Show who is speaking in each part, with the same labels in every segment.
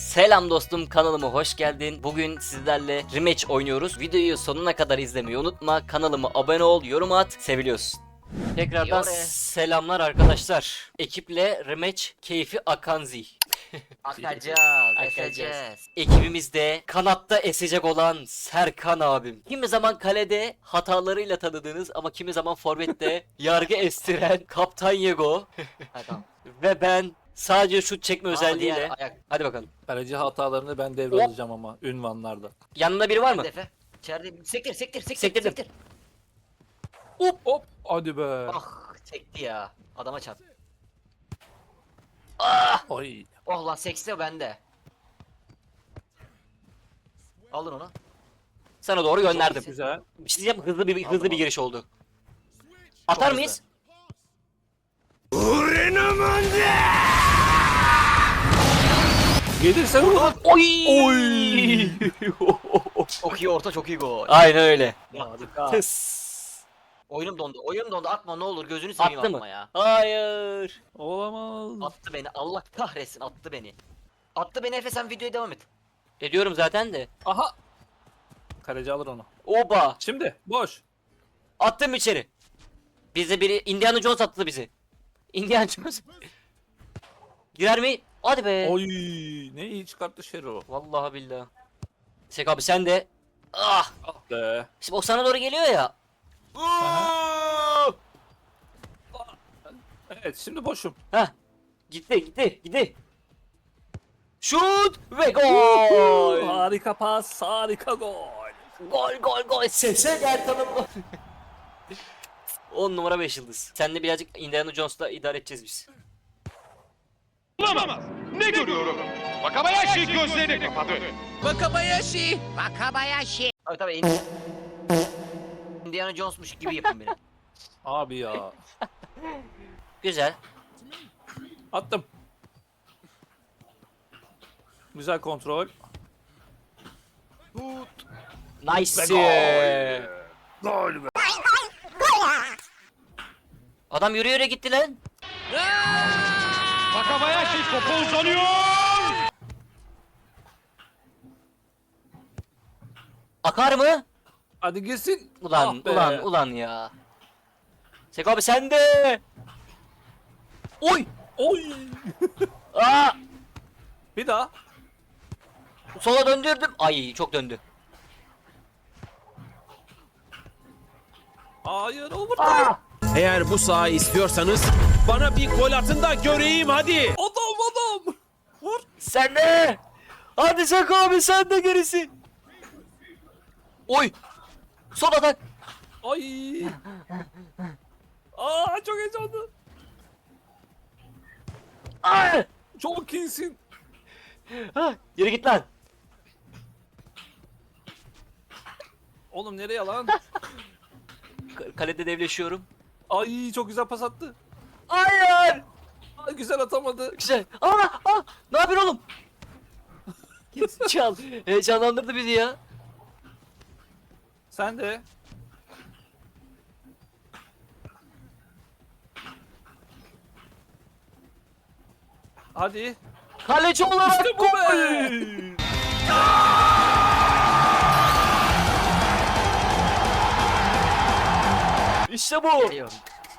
Speaker 1: Selam dostum, kanalıma hoş geldin. Bugün sizlerle rematch oynuyoruz. Videoyu sonuna kadar izlemeyi unutma. Kanalıma abone ol, yorum at. Seviliyorsun. Tekrardan selamlar arkadaşlar. Ekiple rematch keyfi akanzi.
Speaker 2: Akacağız.
Speaker 1: Ekibimizde kanatta esecek olan Serkan abim. Kimi zaman kalede hatalarıyla tanıdığınız ama kimi zaman forvette yargı estiren Kaptan Yego.
Speaker 2: Tamam.
Speaker 1: Ve ben sadece şut çekme özelliğiyle. Hadi bakalım.
Speaker 3: Kaleci hatalarını ben devralacağım ama ünvanlarda.
Speaker 1: Yanında biri var mı?
Speaker 2: Defe. İçeride sektir.
Speaker 1: Sektirdim.
Speaker 3: Hop hadi be.
Speaker 2: Ah sekti ya. Adama çarp.
Speaker 3: Ay.
Speaker 2: Oh lan sekti bende. Alın onu.
Speaker 1: Sana doğru gönderdim.
Speaker 3: Güzel.
Speaker 1: Bir şey diyeceğim, hızlı bir giriş oldu. Atar
Speaker 2: hızlı.
Speaker 1: mıyız?
Speaker 3: Gelirse vurun.
Speaker 1: Oy!
Speaker 2: Çok iyi orta, çok iyi gol.
Speaker 1: Aynen öyle.
Speaker 3: Harika.
Speaker 1: Tıs.
Speaker 2: Oyunum dondu. Atma ne olur, gözünü seveyim
Speaker 1: Attı
Speaker 2: atma
Speaker 1: mı?
Speaker 2: ya.
Speaker 1: Hayır.
Speaker 3: Olamaz.
Speaker 2: Attı beni. Allah kahretsin, attı beni. Attı beni Efe, sen videoya devam et.
Speaker 1: Ediyorum zaten de.
Speaker 3: Aha. Kaleci alır onu.
Speaker 1: Oba.
Speaker 3: Şimdi boş.
Speaker 1: Attım içeri. Bize biri Indiana Jones attı bizi. Indiana Jones. Girer mi? Hadi be.
Speaker 3: Oy. Ne iyi çıkarttı Şero.
Speaker 1: Vallahi billahi. Sek abi sen de. Ah.
Speaker 3: Ah be.
Speaker 1: Şimdi o sana doğru geliyor ya.
Speaker 3: Evet şimdi boşum.
Speaker 1: Heh. Gitti. Şut ve gol.
Speaker 3: Harika pas, harika gol.
Speaker 1: Gol. Sese gel tanımla. 10 numara 5 yıldız. Seninle birazcık Indiana Jones'la idare edeceğiz biz.
Speaker 4: Olamaz. Ne görüyorum? Wakabayashi gözlerini kapadı.
Speaker 2: Tabii Indiana Jones'muş gibi yapın beni.
Speaker 3: Abi ya.
Speaker 1: Güzel.
Speaker 3: Attım. Güzel kontrol.
Speaker 1: Nice.
Speaker 3: Gol be.
Speaker 1: Adam yürüyerek gitti lan.
Speaker 4: Wakabayashi topu uzanıyor.
Speaker 1: Akar mı?
Speaker 3: Hadi gitsin.
Speaker 1: Ulan
Speaker 3: Ah be.
Speaker 1: ulan ya. Sek abi sen de. Oy.
Speaker 3: Oy.
Speaker 1: Aa.
Speaker 3: Bir daha.
Speaker 1: Sola döndürdüm. Ay çok döndü.
Speaker 3: Hayır overtime.
Speaker 5: Eğer bu sahayı istiyorsanız bana bir gol atın da göreyim hadi.
Speaker 3: Adam. Vur.
Speaker 1: Sen de. Hadi Sek abi sen de gerisi. Oy. Sol atak.
Speaker 3: Ay. Çok heyecanlı.
Speaker 1: Aa.
Speaker 3: Çok iyisin.
Speaker 1: Ha, yürü git lan.
Speaker 3: Oğlum nereye lan?
Speaker 1: Kalede devleşiyorum.
Speaker 3: Ay çok güzel pas attı.
Speaker 1: Hayır.
Speaker 3: Ay, güzel atamadı.
Speaker 1: Güzel. Ne yapıyorsun oğlum? Git çal. Heyecanlandırdı bizi ya.
Speaker 3: Sen de. Hadi.
Speaker 1: Kaleci olarak
Speaker 3: İşte bu be.
Speaker 1: İşte bu.
Speaker 2: Geliyorum.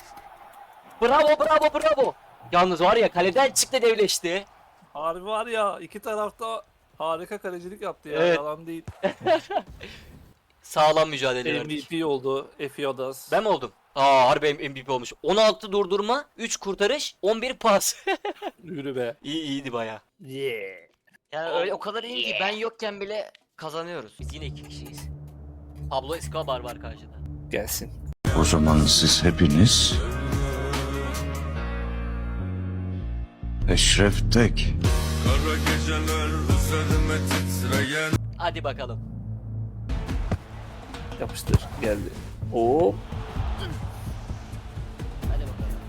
Speaker 1: Bravo. Yalnız var ya kaleden çıktı devleşti.
Speaker 3: Harbi var ya, iki tarafta harika kalecilik yaptı ya,
Speaker 1: Evet.
Speaker 3: yalan değil.
Speaker 1: Sağlam mücadele verdik.
Speaker 3: MVP oldu Efiodas.
Speaker 1: Ben mi oldum? Harbi MVP olmuş. 16 durdurma, 3 kurtarış, 11 pas.
Speaker 3: Yürü be.
Speaker 1: iyiydi baya.
Speaker 3: Yeah.
Speaker 2: Yani öyle o kadar iyi ki ben yokken bile kazanıyoruz.
Speaker 1: Biz yine 2 kişiyiz. Pablo Escobar var karşıda.
Speaker 3: Gelsin.
Speaker 6: O zaman siz hepiniz Eşref Tek.
Speaker 1: Hadi bakalım.
Speaker 3: Yapıştır. Geldi. Oo.
Speaker 1: Hadi bakalım.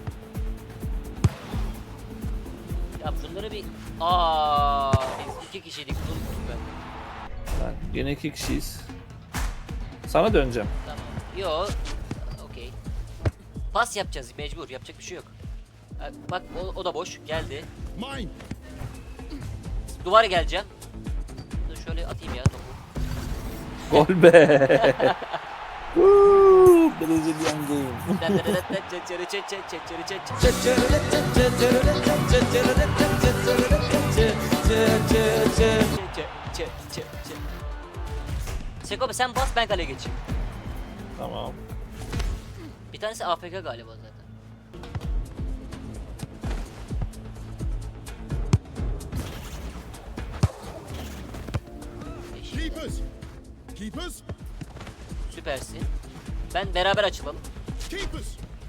Speaker 1: Ya bunları bir... biz 2 kişiydik. Unuttum ben.
Speaker 3: Yine iki kişiyiz. Sana döneceğim.
Speaker 1: Tamam. Yo. Okey. Pas yapacağız mecbur. Yapacak bir şey yok. Bak o da boş. Geldi. Duvar geleceğim. Dur şöyle atayım ya topu.
Speaker 3: Gol be. Brazilian game.
Speaker 1: Seko sen bas ben kale geçeyim.
Speaker 3: Tamam.
Speaker 1: Bir tanesi AFK galiba zaten.
Speaker 7: Keepers! Keepers!
Speaker 1: Süpersin. Ben beraber açılalım.
Speaker 7: Keepers!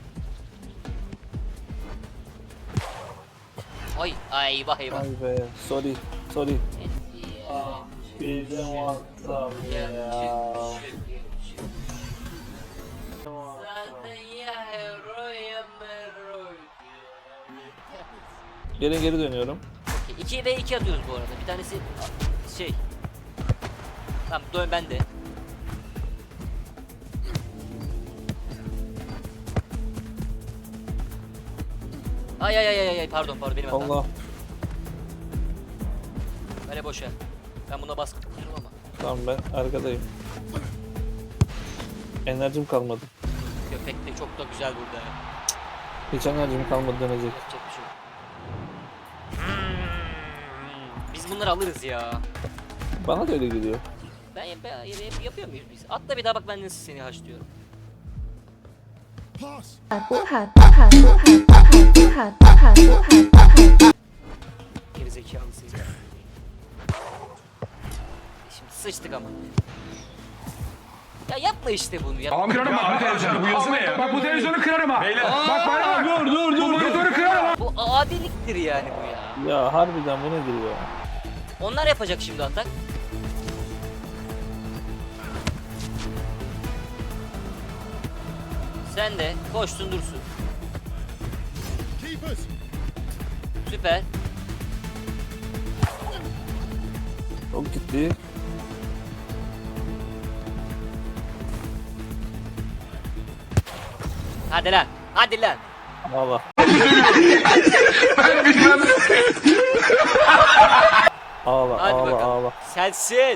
Speaker 1: Ay ay vah eyvah.
Speaker 3: Ay be. Sorry. Sorry. Birden WhatsApp ya. Geri dönüyorum.
Speaker 1: 2 ve 2 atıyoruz bu arada. Bir tanesi şey. Tamam dön ben de. Ay ay ay ay ay pardon benim hatam.
Speaker 3: Allah.
Speaker 1: Böyle boşa. Ben buna baskı kuruyorum ama.
Speaker 3: Tamam ben arkadayım. Enerjim kalmadı.
Speaker 1: Köpek de çok da güzel burada.
Speaker 3: Hiç enerjim kalmadı dönecek.
Speaker 1: Yapacak bir şey yok. Biz bunları alırız ya.
Speaker 3: Bana da öyle geliyor.
Speaker 1: Ben yapıyor muyuz biz? Atla bir daha bak ben nasıl seni haşlıyorum.
Speaker 7: Pass!
Speaker 1: Geri zekalısın. Şimdi sıçtık ama. Ya yapma işte bunu ya.
Speaker 4: Kırarım abi televizyonu. Bu yazı ne ya? Bak bu televizyonu kırarım ha. Bak bana bak. Dur. Bu televizyonu kırarım ha.
Speaker 1: Bu adiliktir yani bu ya.
Speaker 3: Ya harbiden bu nedir ya?
Speaker 1: Onlar yapacak şimdi atak. Sen de koşsun dursun.
Speaker 7: Keepers!
Speaker 1: Süper.
Speaker 3: Çok gitti.
Speaker 1: Hadi lan. Hadi lan.
Speaker 3: Allah. Ağla
Speaker 1: Hadi
Speaker 3: ağla
Speaker 1: bakalım.
Speaker 3: ağla.
Speaker 1: Sensin.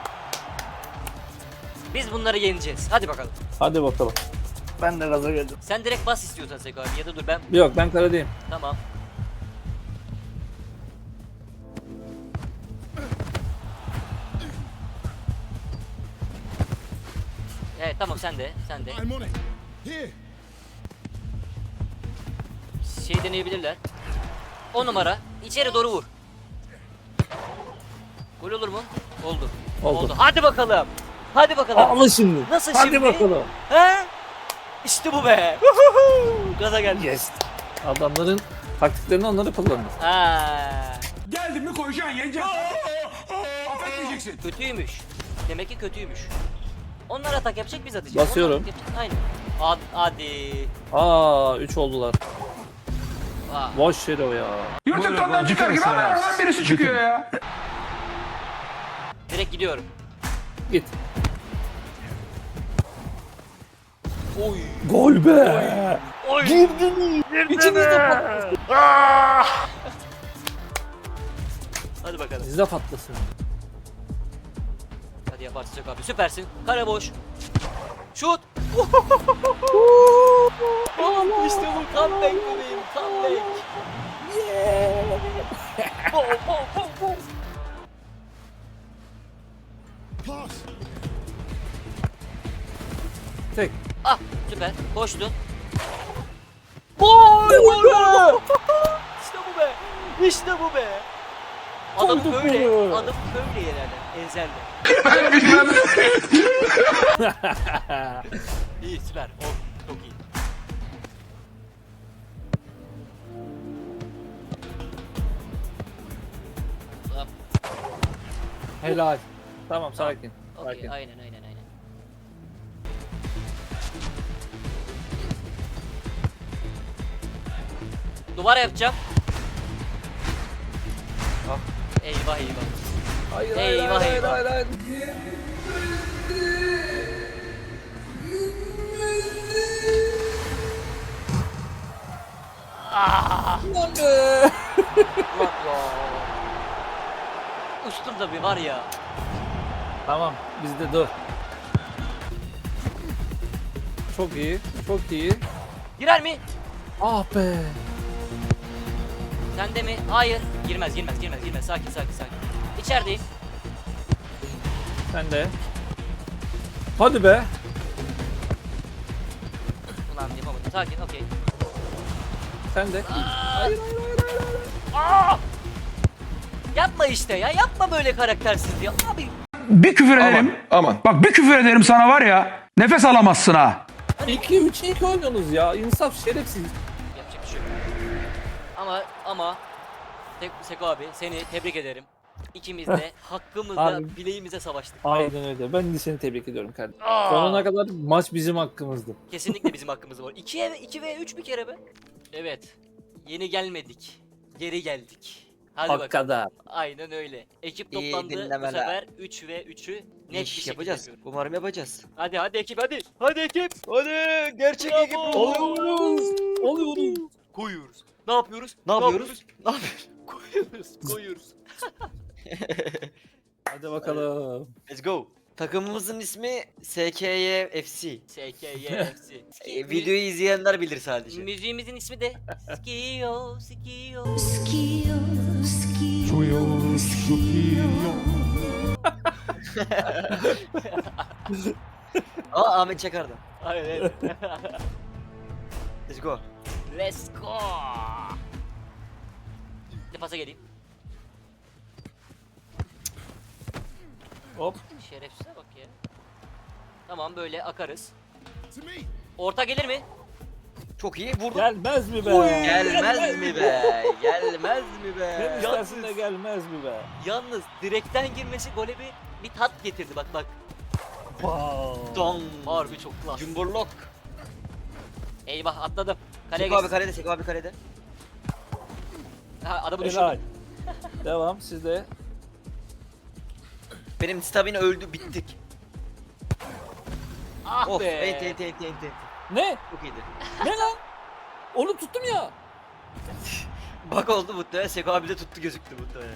Speaker 1: Biz bunları yeneceğiz. Hadi bakalım.
Speaker 3: Hadi bakalım. Ben de gaza geldim.
Speaker 1: Sen direkt bas istiyorsan Seko abi ya da dur ben.
Speaker 3: Yok ben karadayım.
Speaker 1: Tamam. Evet tamam sen de.
Speaker 7: I'm on it! Here!
Speaker 1: Şey deneyebilirler. 10 numara. İçeri doğru vur. Gol olur mu? Oldu.
Speaker 3: Oldu.
Speaker 1: Hadi bakalım. Hadi bakalım.
Speaker 3: Ağla şimdi.
Speaker 1: Nasıl
Speaker 3: Hadi
Speaker 1: şimdi?
Speaker 3: bakalım.
Speaker 1: He? İşte bu be. Gaza geldi.
Speaker 3: Yes. Adamların taktiklerini onları kullandı.
Speaker 1: Ha.
Speaker 4: Geldin mi koyacaksın yeneceksin. Affetmeyeceksin.
Speaker 1: Kötüymüş. Demek ki kötüymüş. Onlar atak yapacak biz atacağız.
Speaker 3: Basıyorum.
Speaker 1: Onlar atak yapacak. Aynen. Hadi.
Speaker 3: Aa 3 oldular.
Speaker 1: Aa.
Speaker 3: Boş yere o ya.
Speaker 4: YouTube'dan çıkar gibi hemen birisi çıkıyor ya.
Speaker 1: Direkt gidiyorum.
Speaker 3: Git.
Speaker 1: Oy.
Speaker 3: Gol be.
Speaker 1: Oy.
Speaker 3: İçimizde
Speaker 1: Hadi bakalım.
Speaker 3: Bizde patlasın.
Speaker 1: Hadi yaparsın Seko abi. Süpersin. Kare boş. Şut. İşte bu comeback bebeğim. Comeback. Bom, bom, bom, bom.
Speaker 7: Pass!
Speaker 3: Tek.
Speaker 1: Ah süper. Koştun. Gol! Gol be! İşte bu be. İşte bu be. Adam
Speaker 3: Koyduk
Speaker 1: böyle.
Speaker 3: bunu.
Speaker 1: Adam böyle yerlerden. Enzelde. İyi süper. O çok iyi. Tamam.
Speaker 3: Helal. Tamam sakin.
Speaker 1: Okey,
Speaker 3: Sakin.
Speaker 1: aynen. Duvara yapacağım.
Speaker 3: Ah.
Speaker 1: Eyvah.
Speaker 3: Hayır
Speaker 1: Eyvah, eyvah.
Speaker 3: hayır.
Speaker 1: Ah!
Speaker 3: Lan be.
Speaker 1: Ulan ya. uçtum da bir var ya.
Speaker 3: Tamam bizde dur. Çok iyi. Çok iyi.
Speaker 1: Girer mi?
Speaker 3: Ah be.
Speaker 1: Sen de mi? Hayır. Girmez. Sakin. İçerideyim.
Speaker 3: Sen de. Hadi be.
Speaker 1: Ulan yapamadım. Sakin, okey.
Speaker 3: Sen de. Hayır.
Speaker 1: Yapma işte ya. Yapma böyle karaktersiz ya. Abi.
Speaker 4: Bir küfür ederim.
Speaker 6: Aman.
Speaker 4: Bak bir küfür ederim sana var ya. Nefes alamazsın ha.
Speaker 3: 2-3-2 oynuyorsunuz ya. İnsaf şerefsiz.
Speaker 1: Yapacak bir şey yok. Ama Seko abi seni tebrik ederim. İkimiz de hakkımızla
Speaker 3: Abi.
Speaker 1: bileğimize savaştık.
Speaker 3: Aynen öyle. Ben de seni tebrik ediyorum kardeşim. Sonuna kadar maç bizim hakkımızdı.
Speaker 1: Kesinlikle bizim hakkımız var. 2 ve 3 bir kere be. Evet. Yeni gelmedik. Geri geldik. Hadi bakalım.
Speaker 3: Hakikaten.
Speaker 1: Aynen öyle. Ekip
Speaker 2: İyi
Speaker 1: toplandı bu
Speaker 2: dinlemeler.
Speaker 1: sefer 3 ve 3'ü net bir
Speaker 2: İş
Speaker 1: şekilde
Speaker 2: yapacağız.
Speaker 1: yapıyoruz.
Speaker 2: Umarım yapacağız.
Speaker 1: Hadi ekip hadi. Hadi ekip.
Speaker 2: Hadi gerçek ekip.
Speaker 3: Oluyoruz.
Speaker 1: Koyuyoruz. Ne yapıyoruz?
Speaker 2: Ne yapıyoruz? Ne yapıyoruz?
Speaker 1: Koyuyoruz.
Speaker 3: Hadi bakalım.
Speaker 2: Let's go. Takımımızın ismi SKY FC.
Speaker 1: SKYFC.
Speaker 2: Videoyu izleyenler bilir sadece.
Speaker 1: Müziğimizin ismi de Skio.
Speaker 2: Aa Ahmet Çakar'da.
Speaker 1: Aynen.
Speaker 2: Let's go.
Speaker 1: Let's go. Bir pasa geleyim.
Speaker 3: Hop.
Speaker 1: Şerefsize bak ya. Tamam böyle akarız.
Speaker 7: To me.
Speaker 1: Orta gelir mi?
Speaker 2: Çok iyi vurdum.
Speaker 3: Gelmez mi be?
Speaker 2: Gelmez mi be? Gelmez mi
Speaker 3: Ne
Speaker 2: be?
Speaker 3: istersin de gelmez mi be?
Speaker 1: Yalnız direkten girmesi gole bir tat getirdi bak.
Speaker 3: Wow.
Speaker 2: Don.
Speaker 1: Harbi çok klas.
Speaker 2: Cumburlok.
Speaker 1: Eyvah atladım. Kaleye
Speaker 2: Seko abi
Speaker 1: geçsin.
Speaker 2: kalede, Seko abi kalede.
Speaker 1: Ha, adamı
Speaker 3: Helal.
Speaker 1: düşürdüm.
Speaker 3: Devam sizde.
Speaker 2: Benim stamina öldü, bittik.
Speaker 1: Ah
Speaker 2: Of,
Speaker 1: be.
Speaker 2: enti.
Speaker 3: Ne?
Speaker 2: Çok iyiydi.
Speaker 3: Ne lan? Onu tuttum ya.
Speaker 2: Bak oldu muhtemelen, Seko abi de tuttu gözüktü muhtemelen.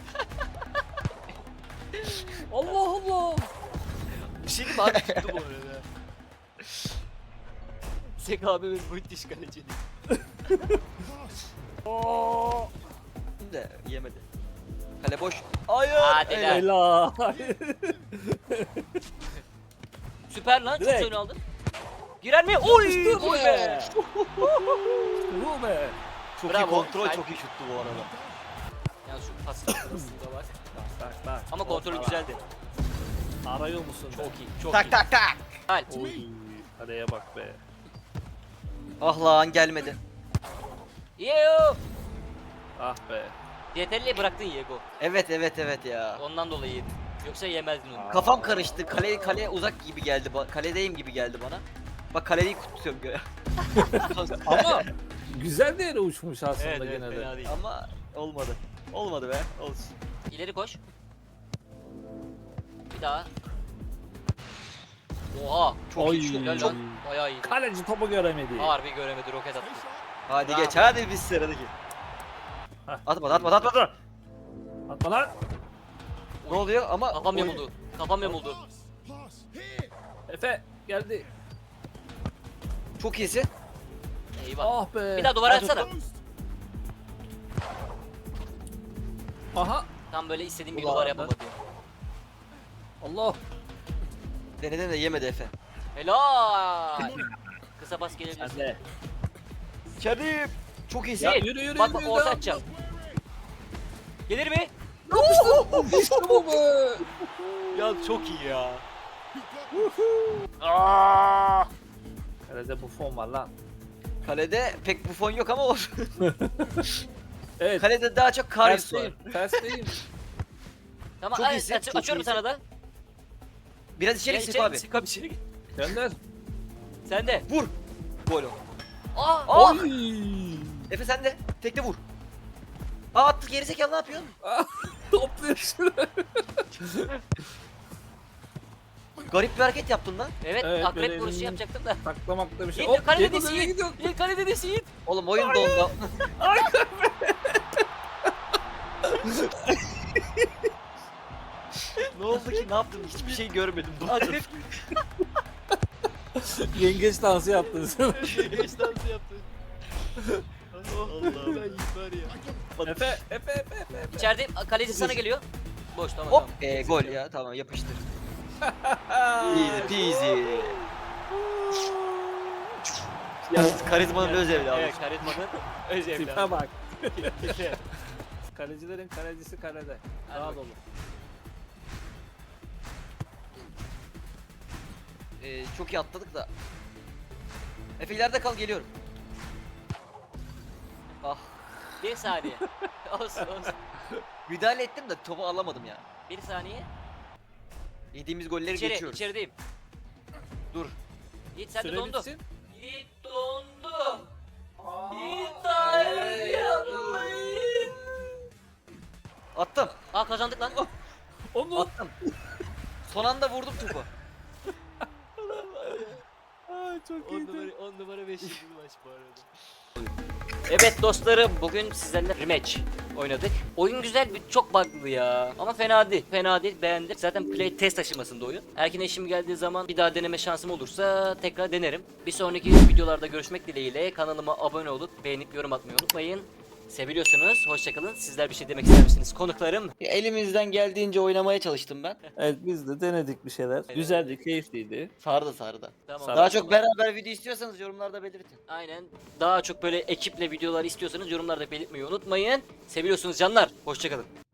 Speaker 3: Allah Allah.
Speaker 1: Bir şey değil mi abi tuttu bu arada. Sek abimiz müthiş kaleci.
Speaker 2: De yemedi. Kale boş. Hayır.
Speaker 1: Hadi
Speaker 2: öyle.
Speaker 1: lan.
Speaker 3: Helal.
Speaker 1: Süper lan çok
Speaker 3: Direkt.
Speaker 1: öne aldın. Girer mi? Oy!
Speaker 3: İşte bu
Speaker 1: Oy
Speaker 3: be.
Speaker 1: be!
Speaker 3: Bu be.
Speaker 2: Çok iyi
Speaker 1: Bravo.
Speaker 2: kontrol,
Speaker 1: Kalp.
Speaker 2: çok iyi şuttu bu arada.
Speaker 1: Yani şu pas sırasında bak.
Speaker 3: Bak.
Speaker 1: Ama kontrolü güzeldi.
Speaker 3: Arıyor musun?
Speaker 1: Çok iyi, çok
Speaker 2: Tak
Speaker 1: iyi.
Speaker 2: tak tak.
Speaker 1: Kalp.
Speaker 3: Oy. Araya bak be.
Speaker 2: Ah lan gelmedi.
Speaker 1: Yeo!
Speaker 3: Ah be.
Speaker 1: Yeterli bıraktın Yego.
Speaker 2: Evet ya.
Speaker 1: Ondan dolayı yedin. Yoksa yemezdin onu.
Speaker 2: Kafam karıştı. Kale uzak gibi geldi. Kaledeyim gibi geldi bana. Bak kaleyi tutuyorum göre.
Speaker 3: Ama güzel de yere uçmuş aslında
Speaker 1: Evet,
Speaker 3: gene de.
Speaker 1: fena değil.
Speaker 2: Ama olmadı. Olmadı be. Olsun.
Speaker 1: İleri koş. Bir daha. Oha! Çok
Speaker 3: Oy.
Speaker 1: iyi. Helal lan. Bayağı iyi.
Speaker 3: Kaleci topu göremedi.
Speaker 1: Harbi göremedi roket attı.
Speaker 2: Hadi
Speaker 1: Bravo.
Speaker 2: geç. Hadi biz sıradaki.
Speaker 3: Heh.
Speaker 2: Atma.
Speaker 3: Atma lan.
Speaker 2: Ne oluyor ama
Speaker 1: Kafam
Speaker 2: oy-
Speaker 1: yamuldu. Kafam yamuldu.
Speaker 7: Pass. Here.
Speaker 3: Efe geldi.
Speaker 2: Çok iyisin.
Speaker 1: Eyvah.
Speaker 3: Ah be.
Speaker 1: Bir daha duvara atsana.
Speaker 7: Post.
Speaker 3: Aha.
Speaker 1: Tam böyle istediğim bir
Speaker 3: Ulan
Speaker 1: duvar
Speaker 3: ben-
Speaker 1: yapamadı.
Speaker 3: Allah.
Speaker 2: Denedin de yemedi Efe.
Speaker 1: Helal. Kısa pas gelebilir.
Speaker 3: Sen de.
Speaker 2: Kerim. Çok iyisin.
Speaker 3: Ya yürü.
Speaker 1: Bak orta atacağım. Gelir mi?
Speaker 3: İşte bu be.
Speaker 1: Ya çok iyi ya.
Speaker 3: Kalede Buffon var lan.
Speaker 2: Kalede pek Buffon yok ama olsun.
Speaker 3: Evet.
Speaker 2: Kalede daha çok Karius var.
Speaker 3: Tersteyim.
Speaker 1: Tamam
Speaker 2: Çok
Speaker 1: ay,
Speaker 2: iyisin, çok
Speaker 1: açıyorum
Speaker 2: iyisin.
Speaker 1: sana da.
Speaker 2: Biraz içeri
Speaker 1: Gel
Speaker 2: Seko abi.
Speaker 1: Seko abi içeri gir.
Speaker 3: Gönder.
Speaker 1: Sen de.
Speaker 2: Vur. Gol o.
Speaker 1: Aa!
Speaker 2: Ah!
Speaker 3: Oy.
Speaker 2: Efe sen de. Tekte vur. Aa attık gerizekalı ne yapıyorsun?
Speaker 3: Topluyorsun.
Speaker 2: Garip bir hareket yaptın lan.
Speaker 1: Evet,
Speaker 3: Evet,
Speaker 1: akrep
Speaker 3: böyle
Speaker 1: vuruşu
Speaker 3: elini-
Speaker 1: yapacaktım da.
Speaker 3: Taklamakta bir şey.
Speaker 1: Yiğit kalede
Speaker 3: Diego
Speaker 1: desin
Speaker 3: nereye
Speaker 1: Yiğit.
Speaker 3: gidiyorsun?
Speaker 1: Yiğit kalede desin Yiğit.
Speaker 2: Oğlum oyun dondu. Ne oldu ki? Ne yaptın? Hiçbir şey görmedim. Dondum.
Speaker 3: Yengeç dansı yaptınız.
Speaker 2: Geç dansı yaptın. Allah ben
Speaker 3: Efe.
Speaker 1: İçeride kaleci sana geliyor. Boş tamam.
Speaker 2: Hop.
Speaker 1: tamam.
Speaker 2: Gol ya. Tamam yapıştır. Easy peasy. Yalnız karizmanın öz evladı.
Speaker 1: Evet karizmanın öz
Speaker 3: Tipe
Speaker 1: evladı.
Speaker 3: bak. Kalecilerin kalecisi kalede. Daha dolu.
Speaker 2: Çok iyi atladık da. Efe ileride kal geliyorum. Ah.
Speaker 1: Bir saniye. olsun olsun.
Speaker 2: Müdahale ettim de topu alamadım ya.
Speaker 1: Bir saniye.
Speaker 2: Yediğimiz golleri
Speaker 1: İçeri,
Speaker 2: geçiyoruz.
Speaker 1: içerideyim.
Speaker 2: Dur.
Speaker 1: Yiğit sen de
Speaker 3: Süre
Speaker 1: dondu.
Speaker 3: bitsin.
Speaker 1: Yiğit dondu. Yiğit dondu.
Speaker 2: Attım.
Speaker 1: Aa kazandık lan.
Speaker 3: Onu.
Speaker 2: Attım. Son anda vurdum topu.
Speaker 3: Çok iyiydi.
Speaker 1: 10 numara 5 maç bu arada. Evet dostlarım bugün sizlerle rematch oynadık. Oyun güzel bir çok bug'lı ya. Ama fena değil. Fena değil beğendim. Zaten play test aşamasında oyun. Erken eşim geldiği zaman bir daha deneme şansım olursa tekrar denerim. Bir sonraki videolarda görüşmek dileğiyle kanalıma abone olup beğenip yorum atmayı unutmayın. Seviliyorsunuz. Hoşçakalın. Sizler bir şey demek ister misiniz konuklarım?
Speaker 2: Elimizden geldiğince oynamaya çalıştım ben.
Speaker 3: Evet biz de denedik bir şeyler. Güzeldi, keyifliydi.
Speaker 2: Sardı.
Speaker 1: Tamam.
Speaker 2: Daha çok beraber video istiyorsanız yorumlarda belirtin.
Speaker 1: Aynen. Daha çok böyle ekiple videolar istiyorsanız yorumlarda belirtmeyi unutmayın. Seviyorsunuz canlar. Hoşçakalın.